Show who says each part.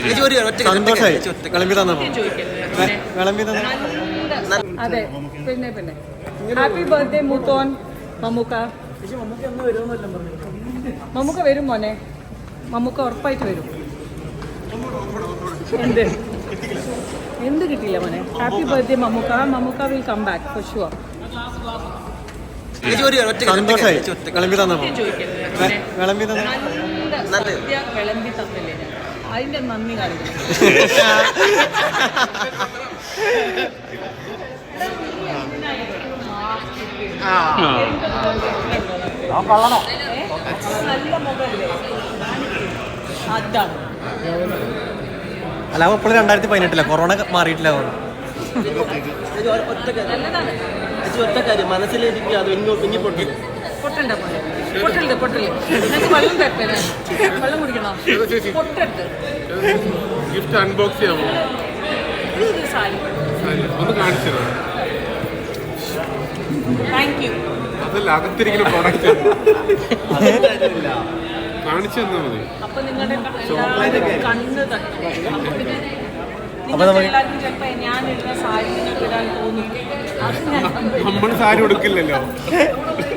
Speaker 1: സന്തോഷമായി വിളമ്പി തന്നപ്പോ വിളമ്പി തന്ന.
Speaker 2: അതെ പിന്നെ പിന്നെ ഹാപ്പി ബർത്ത്ഡേ മൂത്തോൻ മമ്മൂക്ക. മമ്മൂക്ക വരും മോനെ, മമ്മൂക്ക ഉറപ്പായിട്ട് വരും. എന്ത് കിട്ടിയില്ല മോനെ. Happy birthday Mammookka. Mammookka will come back for sure.
Speaker 1: സന്തോഷമായി വിളമ്പി തന്നപ്പോ വിളമ്പി തന്ന.
Speaker 2: വിളമ്പി തന്നില്ലേ ഞാൻ, അതിന്റെ നന്ദി കാണിക്കണം. നല്ല മുഖല്ലേ അതാണ്.
Speaker 1: അല്ല ഇപ്പോഴും 2018 കൊറോണ മാറിയിട്ടില്ല.
Speaker 2: നല്ലതാണ്.
Speaker 3: ഒറ്റ കാര്യം മനസ്സിലിരിക്കുക, അത്
Speaker 2: പൊട്ടണ്ട പോലെ പൊട്ടരുത് പൊട്ടല്. നിങ്ങൾക്ക് വെള്ളം തരട്ടെ, വെള്ളം കുടിക്കണോ? പൊട്ടരുത്.
Speaker 4: ഗിഫ്റ്റ് അൺബോക്സ് ചെയ്യാമോ?
Speaker 2: ഇത് സാരി
Speaker 4: ഒന്ന് കാണിച്ചു.
Speaker 2: Thank you.
Speaker 4: അതല്ല, അകത്തിരിക്കുന്ന പ്രോഡക്റ്റ് കാണിച്ചു തന്നാൽ മതി.
Speaker 2: അപ്പൊ നിങ്ങളുടെ കണ്ണ് തട്ടും. അപ്പൊ പിന്നെ എല്ലാവർക്കും ചിലപ്പോ ഞാൻ ഇടുന്ന സാരി നിങ്ങൾക്ക് ഇടാൻ തോന്നും. അത് ഞാൻ
Speaker 4: നമ്മൾ സാരി കൊടുക്കില്ലല്ലോ.